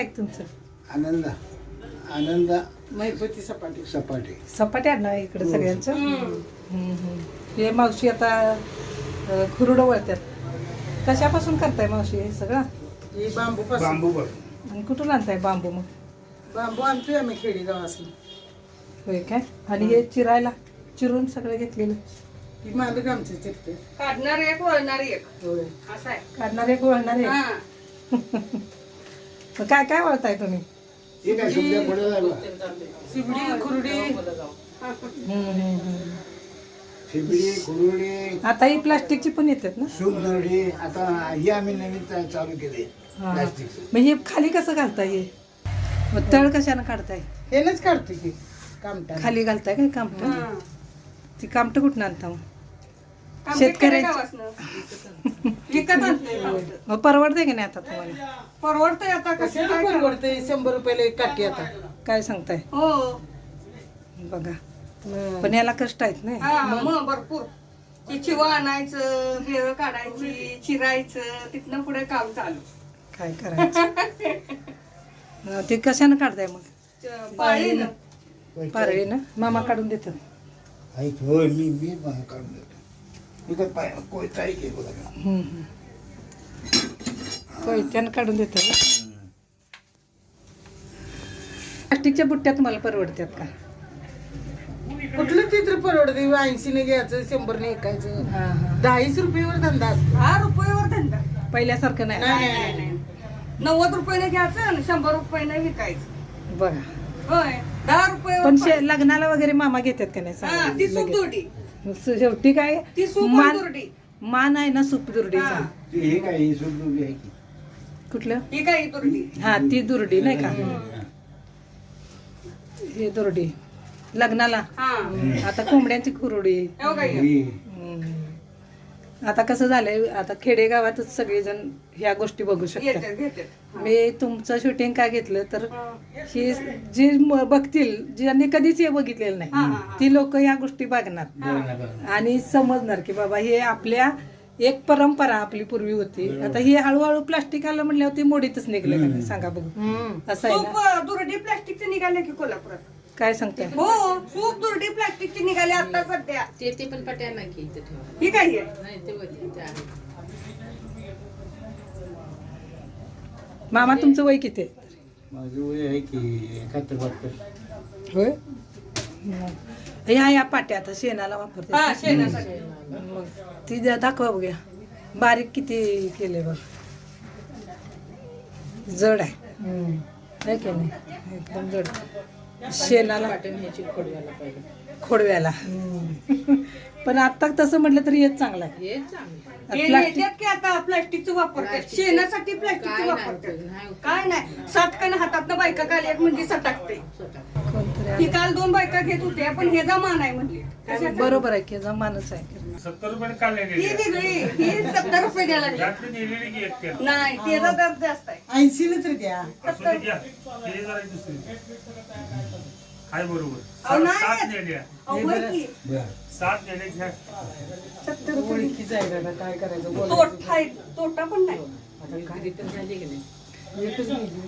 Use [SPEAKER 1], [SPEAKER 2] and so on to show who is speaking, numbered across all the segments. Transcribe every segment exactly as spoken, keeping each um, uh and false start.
[SPEAKER 1] काय तुमचं?
[SPEAKER 2] आनंद आनंद
[SPEAKER 3] महिपती सपाटी
[SPEAKER 2] सपाटे
[SPEAKER 1] सपाटे आडनाव आहे इकडे सगळ्यांचं. हम्म, हम्म. हे मावशी आता अं, खुरडं वळतात. कशापासून करताय मावशी हे सगळं?
[SPEAKER 3] ही बांबू पासून
[SPEAKER 2] बांबू बघ
[SPEAKER 1] आणि कुठून आणताय बांबू मग?
[SPEAKER 3] बांबू आणतोय आम्ही खेडेगाव असली.
[SPEAKER 1] होय काय? आणि हे चिरायला चिरून सगळं घेतलेलं
[SPEAKER 3] ही मालक आमचे चिरते.
[SPEAKER 4] काढणार एक वळणार एक
[SPEAKER 3] होय
[SPEAKER 4] असं आहे.
[SPEAKER 1] काढणार एक वळणार एक.
[SPEAKER 4] हा.
[SPEAKER 1] मग काय काय वळताय तुम्ही?
[SPEAKER 2] हे काय सुद्धा पुढे जायला
[SPEAKER 3] शिबडी खुरडी
[SPEAKER 1] हम्म, हम्म, हम्म.
[SPEAKER 2] शिबडी कुरुडी
[SPEAKER 1] आता ही प्लास्टिकची पण येतात ना?
[SPEAKER 2] सूप नरडी आता हे आम्ही नवीन चा- चालू केले
[SPEAKER 1] हा.
[SPEAKER 2] प्लास्टिकचं.
[SPEAKER 1] मग हे खाली कसं घालताय हे? मग तळ कशानं काढताय?
[SPEAKER 3] हेनच काढते की कामटा
[SPEAKER 1] खाली घालताय काय कामट?
[SPEAKER 4] हा.
[SPEAKER 1] ती कामट कुठून आणता मग?
[SPEAKER 4] आमच्या
[SPEAKER 1] शेतकऱ्याची-
[SPEAKER 4] खेडेगावासनं. विकत आणते
[SPEAKER 1] मग परवडते की नाही आता तुम्हाला?
[SPEAKER 4] परवडतंय आता कसं
[SPEAKER 3] कशाला
[SPEAKER 4] काय करणार?
[SPEAKER 3] परवडते शंभर रुपयाला एक काठी आता.
[SPEAKER 1] काय सांगताय?
[SPEAKER 4] हो
[SPEAKER 1] बघा पण याला कष्ट आहेत नाही.
[SPEAKER 4] हा मग भरपूर ती चिवा आणायचं बेळ काढायची चिरायचं तिथनं पुढे काम चालू.
[SPEAKER 1] काय करायचं? अं, ते कशानं काढताय मग?
[SPEAKER 4] पाळीनं
[SPEAKER 1] पारळीनं मामा काढून देतात.
[SPEAKER 2] ऐक होय मी मी बाहेर काढून देतो इकडे पाय कोयता आहे की बघा
[SPEAKER 1] हम्म, हम्म. कोयत्यानं काढून देतात. प्लास्टिकच्या बुट्ट्या तुम्हाला परवडतात का?
[SPEAKER 3] कुठलं चित्र परवडते? ऐंशीने घ्यायचं शंभरने ऐकायचं.
[SPEAKER 1] हा हा.
[SPEAKER 3] दहाच रुपयेवर धंदा असतो.
[SPEAKER 4] दहा रुपयावर धंदा.
[SPEAKER 1] पहिल्यासारखं नाही.
[SPEAKER 3] नाही,
[SPEAKER 4] नाही नाही नाही नव्वद रुपयाने घ्यायचं आणि शंभर रुपयाने विकायचं.
[SPEAKER 1] बघा
[SPEAKER 4] होय दहा रुपयावर
[SPEAKER 1] पण
[SPEAKER 4] पाहिजे.
[SPEAKER 1] शे- लग्नाला वगैरे मामा घेतात का नाही
[SPEAKER 4] हा
[SPEAKER 1] सांगा
[SPEAKER 4] ती सूप
[SPEAKER 1] लगेच.
[SPEAKER 4] दुर्डी
[SPEAKER 1] स- शेवटी काय
[SPEAKER 4] ती सूप
[SPEAKER 1] मान
[SPEAKER 4] दुर्डी
[SPEAKER 1] मान आहे ना सूप दुर्डीचा.
[SPEAKER 4] हा.
[SPEAKER 2] हे काय ही सूप नरडी आहे की
[SPEAKER 1] कुठलं?
[SPEAKER 4] ही काय दुर्डी.
[SPEAKER 1] हा ती दुर्डी नाही का? हे दुर्डी लग्नाला.
[SPEAKER 4] हा
[SPEAKER 1] आता कोंबड्यांची खुरडी.
[SPEAKER 4] एवढं काय
[SPEAKER 2] ही
[SPEAKER 1] हम्म. आता कसं झालंय आता खेडेगावातच सगळेजण ह्या गोष्टी बघू शकतात.
[SPEAKER 4] घेतात घेतात.
[SPEAKER 1] मी तुमचं शूटिंग का घेतलं तर हे जे म- बघतील ज्यांनी कधीच हे बघितलेलं
[SPEAKER 4] हा, हा,
[SPEAKER 1] नाही
[SPEAKER 4] हा.
[SPEAKER 1] ती लोक या गोष्टी बघणार
[SPEAKER 2] बघा, बघा.
[SPEAKER 1] आणि समजणार की बाबा हे आपल्या एक परंपरा आपली पूर्वी होती. आता ही हळूहळू प्लास्टिक आलं म्हणल्यावर ती मोडीतच निघलं का नाही सांगा बघू. असं आहे ना?
[SPEAKER 4] सूप दुर्डी प्लास्टिकचे निघाले की कोल्हापुरात.
[SPEAKER 1] काय सांगताय?
[SPEAKER 4] हो सूप दुर्डी प्लास्टिकचे निघाले आता सध्या.
[SPEAKER 5] ते ते पण पट्या नाही की इथे ठेवा.
[SPEAKER 4] ही काय आहे?
[SPEAKER 5] नाही ते वरती ते आहे.
[SPEAKER 1] मामा तुमचं वय किती आहे?
[SPEAKER 2] माझं वय आहे की एकाहत्तर बहात्तर
[SPEAKER 1] होय. ह्या या पाट्या आता शेणाला वापरते.
[SPEAKER 4] हा शेणासाठी.
[SPEAKER 1] मग ती द्या दाखवा बघूया बारीक किती केले बघ. जड आहे है की नाही? एकदम जड. शेणाला
[SPEAKER 5] पाट्या न्यायची खोडव्याला पाहिजे.
[SPEAKER 1] खोडव्याला. पण आता तसं म्हटलं तरी हेच चांगलं आहे.
[SPEAKER 5] हे चांगलं.
[SPEAKER 4] हे
[SPEAKER 1] प्लास्टिक
[SPEAKER 4] नेत्यात की आता प्लास्टिकचं वापरतात
[SPEAKER 5] प्लास्टिक.
[SPEAKER 4] शेणासाठी प्लास्टिकचं
[SPEAKER 5] काय नाही
[SPEAKER 4] वापरतात.
[SPEAKER 5] उपयोग, नाही उपयोग.
[SPEAKER 4] काय नाही सातकानं हातातनं बायका काल एक म्हणजे सटाकते.
[SPEAKER 1] कोणतरी
[SPEAKER 4] ती काल दोन बायका घेत होत्या पण हे जमान आहे म्हणली.
[SPEAKER 1] आहे. बरोबर आहे की जमानच आहे.
[SPEAKER 6] सत्तर रुपये काढले
[SPEAKER 4] ही वेगळी ही सत्तर रुपये द्यायला लागली.
[SPEAKER 6] रात्री नेलेली की एक पेर.
[SPEAKER 4] नाही त्याचा दर जास्त आहे.
[SPEAKER 3] ऐंशीने तर द्या.
[SPEAKER 6] असू दे घ्या. हे जरा दुसरी. हाय बरोबर.
[SPEAKER 4] अहो, नाही.
[SPEAKER 6] सात नेल्या.
[SPEAKER 4] अहो, बरं की
[SPEAKER 6] सात नेले घ्या.
[SPEAKER 4] सत्तर रुपये
[SPEAKER 3] ओळखीच आहे दादा, काय करायचं बोलायचं.
[SPEAKER 4] तोटा आहे तोटा पण नाही.
[SPEAKER 5] घरी तर झाली की नाही.
[SPEAKER 3] एकच गेली.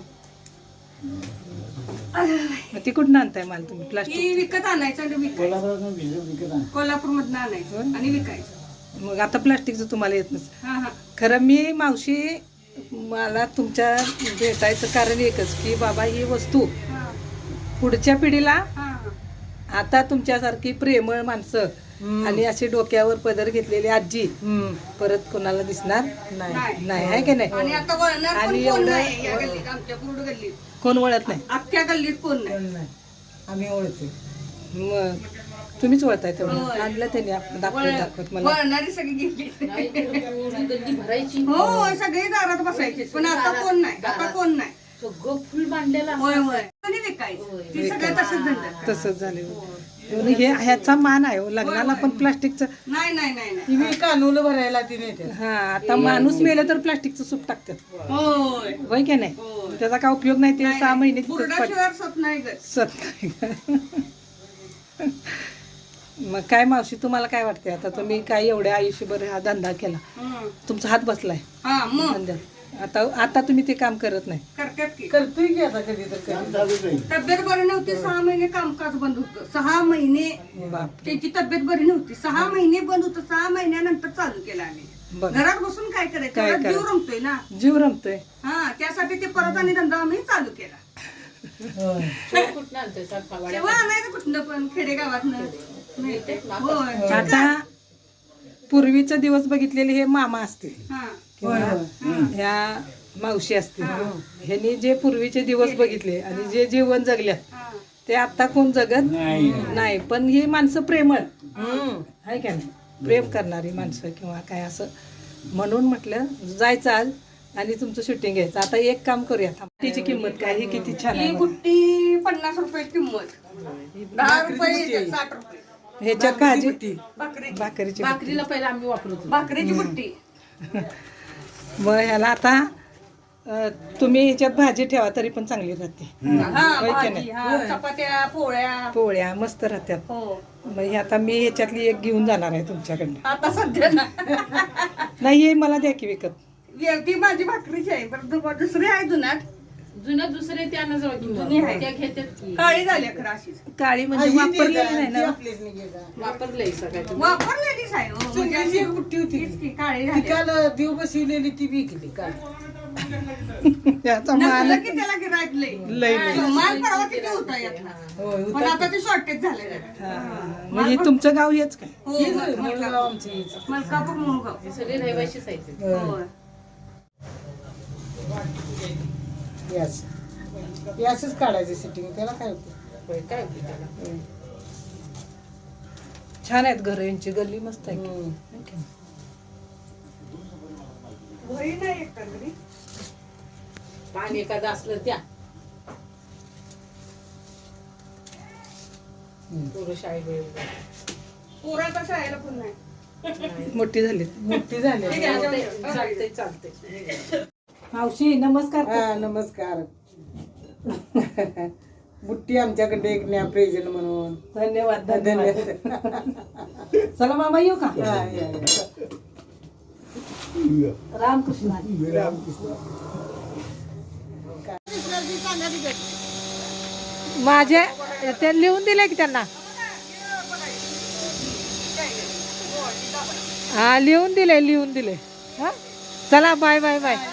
[SPEAKER 1] मग ती कुठून आणताय माल तुम्ही प्लास्टिक?
[SPEAKER 4] ही विकत आणायचं आणि विकायचं.
[SPEAKER 2] कोल्हापुरातून भिजवून विकत आण
[SPEAKER 4] कोल्हापूर मधनं आणायचं आणि विकायचं.
[SPEAKER 1] मग आता प्लास्टिकचं तुम्हाला येत नसेल.
[SPEAKER 4] हा हा
[SPEAKER 1] खरं मी मावशी मला तुमच्या भेटायचं कारण एकच की बाबा ही वस्तू
[SPEAKER 4] हा
[SPEAKER 1] पुढच्या पिढीला
[SPEAKER 4] हा
[SPEAKER 1] आता तुमच्यासारखी प्रेमळ माणसं आणि अशी डोक्यावर पदर घेतलेली आजी परत कोणाला दिसणार
[SPEAKER 4] नाही.
[SPEAKER 1] नाही आहे की नाही?
[SPEAKER 4] आणि आता वळणार पण
[SPEAKER 1] आणि
[SPEAKER 4] कोण
[SPEAKER 1] एवढं-
[SPEAKER 4] नाही या गल्लीत आमच्या पूर्ण गल्लीत
[SPEAKER 1] कोण वळत नाही.
[SPEAKER 4] अख्ख्या गल्लीत कोण नाही.
[SPEAKER 3] पण नाही. आम्ही ओळखते.
[SPEAKER 1] मग तुम्हीच वळताय तेवढं
[SPEAKER 4] होय.
[SPEAKER 1] आणलं त्यांनी आप- दाखवत
[SPEAKER 4] वळ-
[SPEAKER 1] दाखवत मला.
[SPEAKER 4] वळणारी सगळी गेली.
[SPEAKER 5] नाही तर पूर्ण गल्ली भरायची.
[SPEAKER 4] हो सगळी दारात बसायची पण आता कोण नाही आता कोण नाही.
[SPEAKER 5] सगळं फुल बांधलेलं
[SPEAKER 4] होय
[SPEAKER 5] असतं.
[SPEAKER 4] होय आणि विकायचं ती सगळं तसंच धंदा.
[SPEAKER 1] तसंच झालं. हे ह्याचा मान आहे हो. लग्नाला पण प्लास्टिकचं.
[SPEAKER 4] नाही नाही नाही नाही
[SPEAKER 3] ती मी कानूलं भरायला ती नेते.
[SPEAKER 1] हा आता माणूस मेलं तर प्लास्टिकचं सूप टाकतात
[SPEAKER 4] होय
[SPEAKER 1] होय की नाही?
[SPEAKER 4] होय.
[SPEAKER 1] त्याचा काय उपयोग नाही. ते सहा महिने तिथंच पड-
[SPEAKER 4] बुरडाशिवाय सत नाही गं.
[SPEAKER 1] सत नाही का? मग काय मावशी तुम्हाला काय वाटते आता तुम्ही काय एवढ्या आयुष्यभर हा धंदा केला
[SPEAKER 4] हं.
[SPEAKER 1] तुमचा हात बसलाय
[SPEAKER 4] हा मग
[SPEAKER 1] धंद्यात आता आता तुम्ही ते काम करत नाही.
[SPEAKER 4] करतात की
[SPEAKER 3] करतोय की आता कधी तर
[SPEAKER 2] काम
[SPEAKER 3] कधी.
[SPEAKER 2] चालूच आहे.
[SPEAKER 4] तब्येत बरी नव्हती सहा महिने कामकाज बंद होतं. सहा महिने
[SPEAKER 1] बाप
[SPEAKER 4] त्यांची तब्येत बरी नव्हती. सहा महिने बंद होतं. सहा महिन्यानंतर चालू केलं आम्ही.
[SPEAKER 1] बघ
[SPEAKER 4] घरात बसून काय करायचं
[SPEAKER 1] काय
[SPEAKER 4] घरात जीव
[SPEAKER 1] करायचं?
[SPEAKER 4] रमतोय ना.
[SPEAKER 1] जीव रमतोय.
[SPEAKER 4] हा त्यासाठी ते परत आणि धंदा आम्ही चालू केला.
[SPEAKER 3] होय.
[SPEAKER 5] शेव कुठनं आणतोय सात
[SPEAKER 4] तेव्हा
[SPEAKER 5] खावाड्या
[SPEAKER 4] आणायचं कुठनं पण खेडेगावातनं मिळते. होय
[SPEAKER 1] आता पूर्वीचे दिवस बघितलेले हे मामा असतील
[SPEAKER 4] हा
[SPEAKER 1] किंवा
[SPEAKER 3] होय, होय.
[SPEAKER 1] ह्या मावशी असतील. ह्यांनी जे पूर्वीचे दिवस बघितले आणि जे जीवन जगल्यात
[SPEAKER 4] हा
[SPEAKER 1] ते आता कोण जगत
[SPEAKER 2] नाही
[SPEAKER 1] नाही. पण ही माणसं प्रेमळ
[SPEAKER 3] हम्म.
[SPEAKER 1] आहे का नाही, प्रेम करणारी माणसं किंवा काय असं म्हणून म्हटलं जायचं आज आणि तुमचं शूटिंग घ्यायचं. आता एक काम करूया. तिची किंमत काय ही किती छान
[SPEAKER 4] ही
[SPEAKER 1] आहे बघा.
[SPEAKER 4] गुट्टी पन्नास रुपये किंमत. दहा रुपये साठ रुपये
[SPEAKER 1] ह्याच्यात भाजी
[SPEAKER 4] भाकरीची
[SPEAKER 1] भाकरीची
[SPEAKER 5] भाकरीला पहिला आम्ही वापरतो.
[SPEAKER 4] भाकरीची बुट्टी.
[SPEAKER 1] मग ह्याला आता अं, तुम्ही ह्याच्यात भाजी ठेवा तरी पण चांगली राहते.
[SPEAKER 4] हा
[SPEAKER 1] होय की
[SPEAKER 4] भाजी
[SPEAKER 1] नाही?
[SPEAKER 4] हा चपात्या पोळ्या.
[SPEAKER 1] पोळ्या मस्त राहतात.
[SPEAKER 4] हो
[SPEAKER 1] मग हे आता मी ह्याच्यातली एक घेऊन जाणार आहे तुमच्याकडनं.
[SPEAKER 4] आता सध्या ना
[SPEAKER 1] नाही हे मला द्या की विकत.
[SPEAKER 4] ती माझी भाकरीची आहे पण दु- दुसरी आहे जुनाट.
[SPEAKER 5] जुनं दुसरे त्यानं जवळ
[SPEAKER 4] जुनी आहे.
[SPEAKER 5] त्या घेतात की
[SPEAKER 4] काळी झाली अकरा अशीच.
[SPEAKER 1] काळी
[SPEAKER 3] हा,
[SPEAKER 1] म्हणजे
[SPEAKER 3] ही
[SPEAKER 1] वापरलेली
[SPEAKER 3] ती
[SPEAKER 1] नाही ना.
[SPEAKER 3] आपलीच नाही घे जा.
[SPEAKER 5] वापरलंय सगळ्यात.
[SPEAKER 4] वापरलेलीच आहे हो. म्हणजे
[SPEAKER 3] चुलीची एक बुट्टी होती
[SPEAKER 4] तीच की काळी
[SPEAKER 3] ती
[SPEAKER 4] झाली.
[SPEAKER 3] काल देव बसवलेली ती विकली काल.
[SPEAKER 1] त्याचा माल
[SPEAKER 4] नसलं की त्याला गिऱ्हाईक लय.
[SPEAKER 1] लय लय.
[SPEAKER 4] माल परवा किती होता यातला.
[SPEAKER 3] होय
[SPEAKER 4] पण
[SPEAKER 3] होता.
[SPEAKER 4] आता ते शॉर्टेज झालेलं आहे.
[SPEAKER 1] हा. म्हणजे तुमचं गाव हेच काय?
[SPEAKER 4] हो
[SPEAKER 3] हीच
[SPEAKER 4] मलकापूर
[SPEAKER 3] मुलगाव आमची हीच.
[SPEAKER 4] मलकापूर मुळगाव.
[SPEAKER 5] हे सगळे रहिवाशीच आहेत ते.
[SPEAKER 3] होय.
[SPEAKER 4] होय.
[SPEAKER 3] याच याचच काढायचं सिटिंग त्याला काय होतं.
[SPEAKER 5] होय, काय होते त्याला.
[SPEAKER 1] छान आहेत घर यांची. गल्ली मस्त आहे.
[SPEAKER 3] हम्म.
[SPEAKER 4] घरी नाही एक घरी.
[SPEAKER 5] पाणी एखादं असलं त्या पोरं शाळेत वेळेवर.
[SPEAKER 4] पोराचा शाळेला पण नाही.
[SPEAKER 1] मोठी झाली.
[SPEAKER 3] मोठी झाली.
[SPEAKER 5] चालतंय चालतंय.
[SPEAKER 1] मावशी नमस्कार.
[SPEAKER 3] हा नमस्कार. बुट्टी आमच्याकडे एक न्या प्रेझेंट म्हणून.
[SPEAKER 1] धन्यवाद धन्यवाद.
[SPEAKER 3] धन्यवाद.
[SPEAKER 1] चला मामा येऊ का?
[SPEAKER 3] हा, या, या.
[SPEAKER 1] रामकृष्ण. माझे ते लिहून दिले की त्यांना. हा लिहून दिले लिहून दिले. हा चला बाय बाय बाय.